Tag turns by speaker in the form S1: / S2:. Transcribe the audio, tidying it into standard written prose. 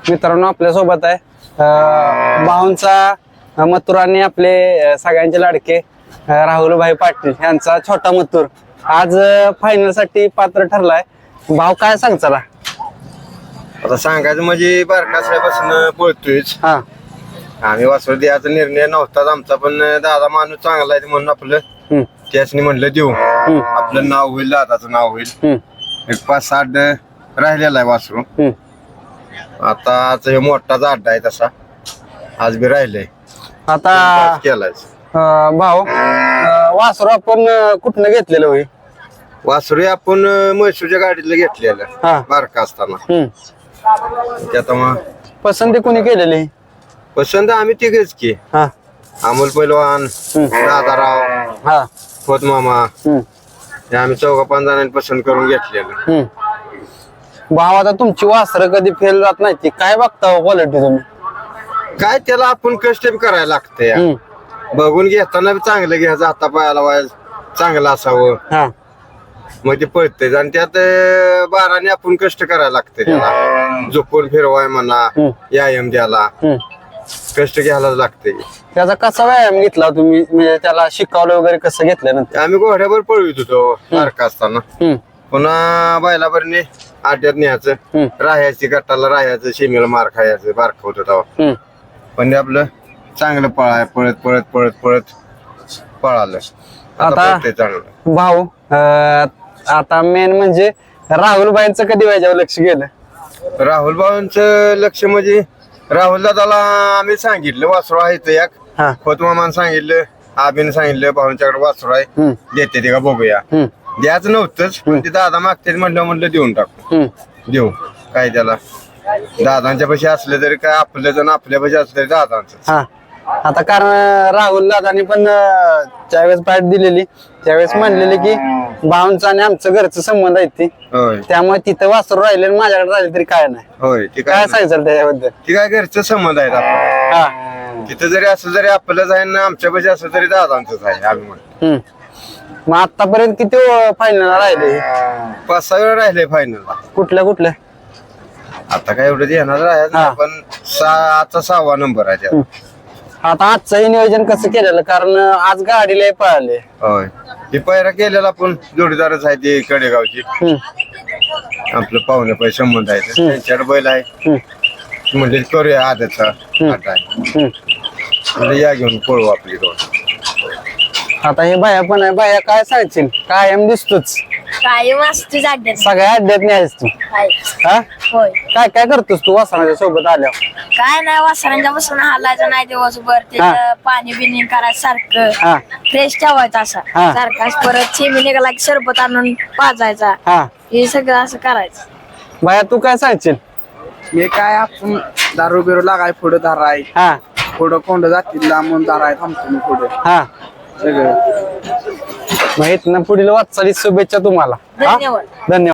S1: मित्रांनो आपल्या सोबत आहे भाऊंचा मथुराने आपले सगळ्यांचे लाडके राहुलभाई पाटील यांचा छोटा मथुर आज फायनल साठी पात्र ठरलाय. भाऊ काय सांगचाला?
S2: आता सांगायचं म्हणजे बारकासाहेबासून पळतोयच.
S1: हा
S2: आम्ही वासरू द्यायचा निर्णय नव्हताच आमचा, पण दादा माणूस चांगला आहे म्हणून आपलं त्यासनी म्हणलं देऊ, आपलं नाव होईल, दादाचं नाव होईल. एक 5-8 राहिलेला आहे वासरू. आता आज हे मोठाचा अड्डा आहे तसा, आज बी राहिलंय
S1: आता
S2: केलाय.
S1: भाऊ वासरू आपण कुठनं घेतलेलं होई?
S2: वासरू आपण म्हैसूरच्या गाडीतलं घेतलेलं
S1: हा.
S2: बारका असताना. त्यात मग
S1: पसंती कोणी केलेली?
S2: पसंत आम्ही तिघेच की,
S1: हा
S2: अमोल पैलवान, दादाराव,
S1: हा
S2: खोत मामा, हे आम्ही 4-5 जणांनी पसंत करून घेतलेलं.
S1: भाऊ आता तुमची वासरं कधी फेल जात नाही ती काय बघता क्वालिटी तुम्ही?
S2: काय त्याला आपण कष्ट बी करायला लागतंय. बघून घेताना बी चांगलं घ्यायचं, हाता पायाला व्हायचं चांगलं असावं,
S1: हा
S2: मग ते पळतंय. आणि त्यात बाराने आपण कष्ट करायला लागतंय, त्याला झोपून फिरवाय म्हणा, व्यायाम द्यायला कष्ट घ्यायलाच लागतंय.
S1: त्याचा कसा व्यायाम घेतला तुम्ही, म्हणजे त्याला शिकवलं वगैरे कसं घेतल्यानंतर?
S2: आम्ही घोड्यावर पळवित होतो बारका असताना. पुन्हा बैलावरने आड्यात न्यायचं, राहायची गटाला राहायचं, शिमेला मार खायचं, बारका होत तेव्हा. पण ते आपलं चांगलं पळाय, पळत पळत पळत पळत पळालं. आता पळतंय चांगलं.
S1: भाऊ आता मेन म्हणजे राहुलबाईंचं कधी व्हायच्यावर लक्ष गेलं?
S2: राहुल भाऊंचं लक्ष म्हणजे राहुल दादाला आम्ही सांगितलं वासरू आहे इथं एक,
S1: हा
S2: खोतमामानं सांगितलं, आबीने सांगितलं भाऊंच्याकडे वासरू आहे, देते ते का बघूया. द्यायचं नव्हतंच, पण ते दादा मागते म्हणलं देऊन टाकू, देऊ काय त्याला. दादांच्या पाशी असलं तरी काय, आपलं जण आपल्या पाशी असलं तरी दादांच.
S1: हा आता कारण राहुल दादानी पण ज्यावेळेस बॅट दिलेली त्यावेळेस म्हणलेले की भाऊंचा आणि आमचं घरचं संबंध आहेत ती,
S2: होय
S1: त्यामुळे तिथं वासरू राहिले आणि माझ्याकडे राहिले तरी काय नाही.
S2: होय, ते
S1: काय
S2: काय
S1: सांगायचं त्याच्याबद्दल?
S2: ती काय घरचं संबंध आहेत आपण.
S1: हा
S2: तिथं जरी असलं तरी आपलंच आहे ना, आमच्या पाशी असलं तरी दादांचंच आहे आम्ही म्हणतो.
S1: मग आतापर्यंत किती फायनल राहिले?
S2: 5-6 वेळा राहिले फायनलला.
S1: कुठल्या?
S2: आता काय एवढं येणार राहायचं नाही, पण आजचा 6वा नंबर आहे त्यात.
S1: आता आजचंही नियोजन कसं केलेलं, कारण आज गाडीला पळाले.
S2: होय, हे पायरा केलेला आपण जोडीदारच आहे, ते कडेगावची आपलं पाहुणे पै संबंध आहे, त्यांच्याकडे बैल आहे. म्हणजे करूया आदतचा आटा आहे, म्हणजे या घेऊन पळू आपली दोन.
S1: आता हे बाया पण आहे, बाया काय सांगशील? कायम दिसतोच
S3: काय वास्तू अड्ड्यात
S1: सगळ्या अड्ड्यात नाहीस तू. हा
S3: होय.
S1: काय काय करतोस तू वासनाच्या सोबत आल्यावर?
S3: काय नाही वासरांच्या बसून हालायचं नाही दिवसभर, त्याचं पाणी बिणी करायचं सारखं, फ्रेश ठेवायचं असा सारखाच. परत चिमी निघाला की सरबत आणून पाजायचा,
S1: हा
S3: हे सगळं असं करायचं.
S1: बाया तू काय सांगशील?
S4: मी काय आपण दारू बिरू लागाय पुढे दारा आहे,
S1: हा
S4: पुढं कोंड जातील लांबून दारा आहे, थांबतो मी पुढे
S1: हा
S4: सगळं.
S1: मग इथनं पुढील वाटचालीस शुभेच्छा तुम्हाला.
S3: धन्यवाद.
S1: धन्यवाद.